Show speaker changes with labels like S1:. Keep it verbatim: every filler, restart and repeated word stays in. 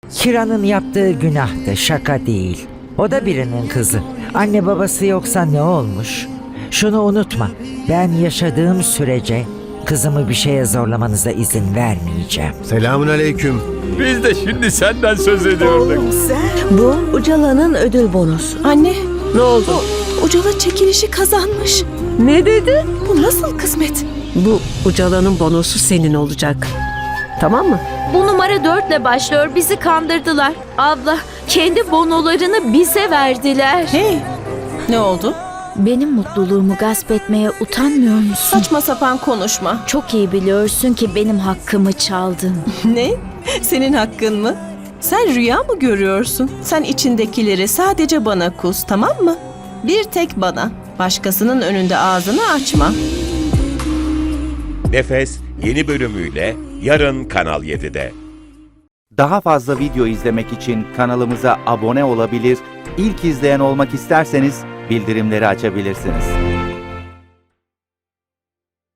S1: Kira'nın yaptığı günahtı, şaka değil. O da birinin kızı. Anne babası yoksa ne olmuş? Şunu unutma, ben yaşadığım sürece kızımı bir şeye zorlamanıza izin vermeyeceğim.
S2: Selamun aleyküm.
S3: Biz de şimdi senden söz ediyorduk.
S4: Bu Ucala'nın ödül bonusu.
S5: Anne,
S4: Ne oldu?
S5: Ucala çekilişi kazanmış.
S4: Ne dedi?
S5: Bu nasıl kısmet?
S4: Bu Ucala'nın bonusu senin olacak. Tamam mı?
S6: Bu numara dörtle başlıyor. Bizi kandırdılar. Abla, kendi bonolarını bize verdiler.
S5: Hey, ne oldu?
S6: Benim mutluluğumu gasp etmeye utanmıyor musun?
S5: Saçma sapan konuşma.
S6: Çok iyi biliyorsun ki benim hakkımı çaldın.
S5: Ne? Senin hakkın mı? Sen rüya mı görüyorsun? Sen içindekileri sadece bana kus, tamam mı? Bir tek bana. Başkasının önünde ağzını açma.
S7: Nefes yeni bölümüyle yarın Kanal yedide.
S8: Daha fazla video izlemek için kanalımıza abone olabilir, ilk izleyen olmak isterseniz bildirimleri açabilirsiniz.